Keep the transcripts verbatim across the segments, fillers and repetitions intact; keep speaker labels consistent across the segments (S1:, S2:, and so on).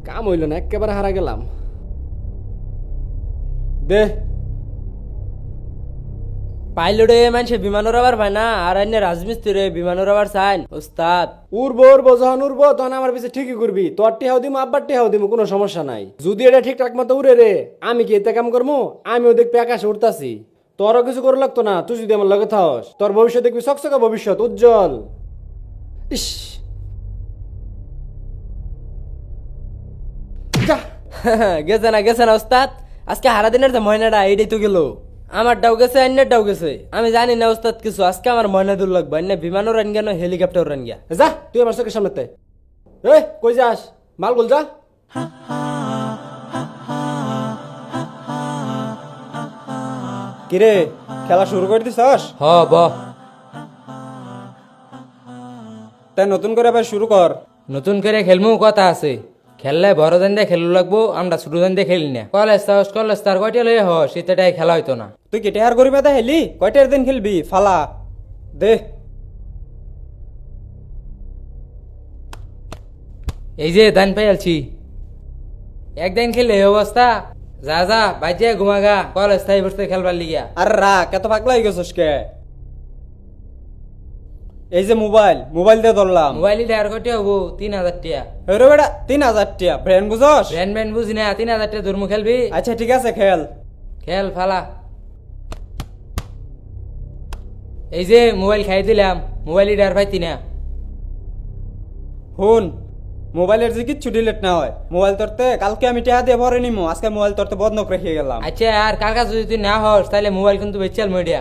S1: কাম হইল না, একেবারে হারা গেলাম। দে
S2: পাইলটে মানুষে বিমান উড়াবার ভাই না, আর এনে রাজমিস্ত্রি বিমান উড়াবার চাইন ওস্তাদ।
S1: উড়বো উড়বো, যখন উড়বো তখন আমার পিছে ঠিকই করবি। তোর টিহাও দিমু, আব্বার টিহাও দিমু, কোনো সমস্যা নাই। যদি এটা ঠিকঠাক মতো উড়ে রে, আমি কি এতে কাম করবো? আমিও দেখবি আকাশে উড়তাছি, তোরও কিছু করে লাগতো না। তুই যদি আমার লগে থাকস, তোর ভবিষ্যৎ দেখবি চকচকা ভবিষ্যৎ, উজ্জ্বল। ইস যা
S2: গেছে না গেছে না ওস্তাদ, আজকে হারা দিনের যে ময়নাটা এইটাই তো গেল। আমার ডাউ গেছে, অন্যের ডাউ গেছে, আমি জানি না ওস্তাদ কিছু। আজকে আমার ময়না দূর লাগবে, অন্য বিমান উড়ান গেল, হেলিকপ্টার উড়ান গিয়া।
S1: যা তুই আমার চোখের সামনে। এ কই যাস? মাল গোল যা।
S3: কিরে, খেলা শুরু করে দিছস?
S2: হ ব
S3: তাই নতুন করে আবার শুরু কর।
S2: নতুন করে খেলমু কথা আছে, খেললে বড় জান দিয়ে খেলু লাগবো, আমরা ছোট জান দিয়ে খেলি না। কলেজ চাস কলেজ তার কয়টা লয়ে হ, সেটাই খেলা হইতো না।
S3: তুই কি টেহার গরিবা দা হেলি? কয়টার দিন খেলবি? ফালা দে।
S2: এই যে দান পাইলছি, একদিন খেলে এই অবস্থা। যা যা বাইজে ঘুমাগা, কলেজ তাই বসতে খেলবার লিগা।
S3: আর রাখ, এত পাগলা হয়ে গেছস কে? এই যে মোবাইল, মোবাইল দিয়ে ধরলাম।
S2: মোবাইলই দেড় কোটি হবো, তিন হাজার টাকা।
S3: হেরো বেটা, তিন হাজার টিয়া ব্র্যান্ড বুঝস?
S2: ব্র্যান্ড ব্র্যান্ড বুঝি না, তিন হাজার টাকা ধর্ম খেলবি।
S3: আচ্ছা ঠিক আছে, খেল।
S2: খেল ফালা। এই যে মোবাইল খাই দিলাম, মোবাইলই ডার পাইতি না।
S3: হুন, মোবাইলের যে কিচ্ছু ডিলেট না হয়। মোবাইল তোরতে কালকে আমি টেহা দিয়ে ভরে নিমু, আজকে মোবাইল তোরতে বন্ধক রেখে গেলাম।
S2: আচ্ছা, আর কার কাছে যদি তুই না হস, তাহলে মোবাইল কিন্তু বেচাল মিডিয়া।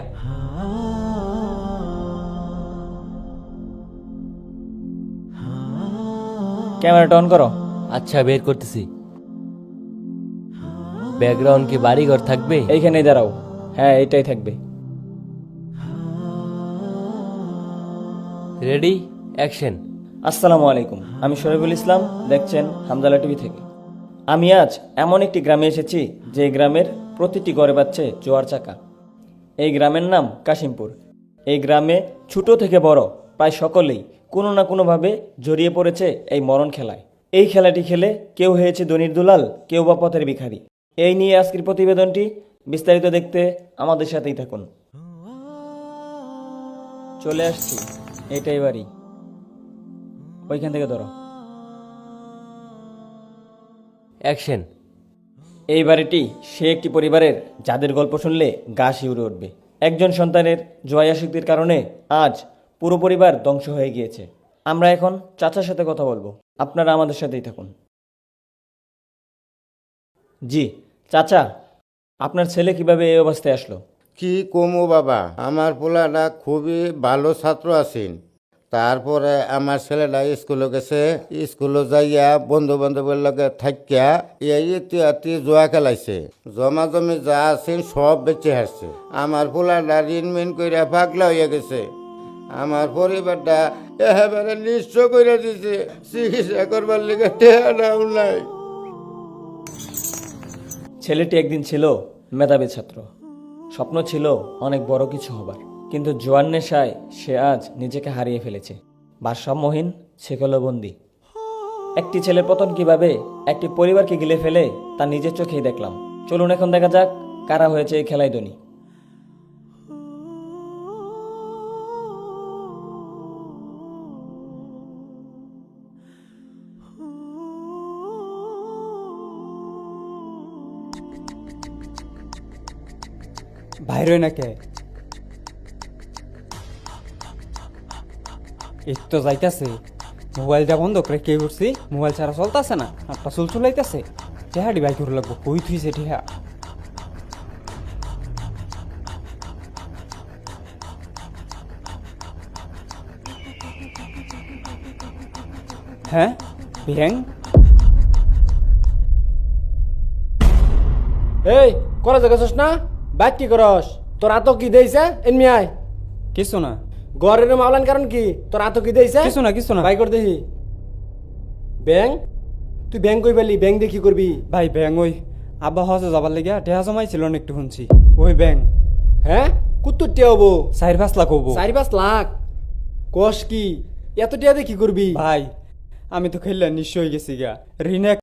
S4: ক্যামেরাটা অন করো।
S5: আচ্ছা, বের করতেছি। ব্যাকগ্রাউন্ড কি বাড়িঘর থাকবে?
S4: এইখানেই দাঁড়াও। হ্যাঁ, এইটাই থাকবে।
S5: Ready, action.
S4: আসসালামু আলাইকুম, আমি শরীফুল ইসলাম, দেখছেন হামদালা টিভি থেকে। আমি আজ এমন একটি গ্রামে এসেছি যে গ্রামের প্রতিটি ঘরে বাজছে জোয়ার চাকা। এই গ্রামের নাম কাশিমপুর। এই গ্রামে ছোট থেকে বড় প্রায় সকলেই কোনো না কোনোভাবে জড়িয়ে পড়েছে এই মরণ খেলায়। এই খেলাটি খেলে কেউ হয়েছে ধনির দুলাল, কেউ বা পথের ভিখারি। এই নিয়ে আজকের প্রতিবেদনটি, বিস্তারিত দেখতে আমাদের সাথেই থাকুন। চলে আসছি, এইটাই বাড়ি। ওইখান থেকে ধরো।
S5: অ্যাকশন।
S4: এই বাড়িটি সে একটি পরিবারের যাদের গল্প শুনলে গা শিউরে উঠবে। একজন সন্তানের জয় আসক্তির কারণে আজ পুরো পরিবার ধ্বংস হয়ে গিয়েছে। আমরা এখন চাচার সাথে কথা বলবো, আপনারা আমাদের সাথেই থাকুন। জি চাচা, আপনার ছেলে কিভাবে এই অবস্থায় আসলো?
S6: কি কমু বাবা, আমার পোলাটা খুবই ভালো ছাত্র আছেন। তারপরে আমার ছেলেটা স্কুলে গেছে, স্কুলে যাইয়া বন্ধু বান্ধবের লগে থাকিয়া এই ইতিহাতি জোয়া খেলাইছে। জমা জমি যা আছেন সব বেঁচে হারছে। আমার পোলাটা ঋণ মিন কইরা পাগলা হইয়া গেছে। আমার পরিবারটা একেবারে নিঃস্ব করে দিছে। চিকিৎসা করবার লিগে টেহাটাও নাই।
S4: ছেলেটি একদিন ছিল মেধাবী ছাত্র, স্বপ্ন ছিল অনেক বড় কিছু হবার, কিন্তু জোয়ার নেশায় সে আজ নিজেকে হারিয়ে ফেলেছে। ভারসাম্যহীন ছেকলবন্দি একটি ছেলের পতন কিভাবে একটি পরিবারকে গিলে ফেলে তা নিজের চোখেই দেখলাম। চলুন এখন দেখা যাক কারা হয়েছে এই খেলায় ধনী।
S3: বাইরে না কে? এই তো যাইতাছে। মোবাইলটা বন্ধ করে কে উঠছি, মোবাইল ছাড়া চলতেছে না, একটা চুল চুলাইতেছে। টেহাডি বাইক করে লাগবো, কই থুইছে টেহা? হ্যাঁ ব্যাং।
S1: এই করা যাচ্ছিস না? বাইক কি করস? তোর আতো কি দেইছে? এমনি আয়।
S3: কিছু না,
S1: ঘরের মাওলান কারণ কি? তোর আতো কি দেইছে?
S3: কিছু না, কিছু না।
S1: বাই কর দেখি। ব্যাং? তুই ব্যাং কই পেলি? ব্যাং দেখি করবি?
S3: ভাই ব্যাং ওই আব্বা হজে যাবার লেগে টেহা জমাইছিল না, একটু শুনছি। ওই ব্যাং।
S1: হ্যাঁ কুত্তুর টিয়া হবো?
S3: চার পাঁচ লাখ হবো।
S1: চারি পাঁচ লাখ? কস কি? এত টিয়া দিয়ে কি করবি?
S3: ভাই আমি তো খেললে নিশ্চয় হয়ে গেছি গা। ঋণে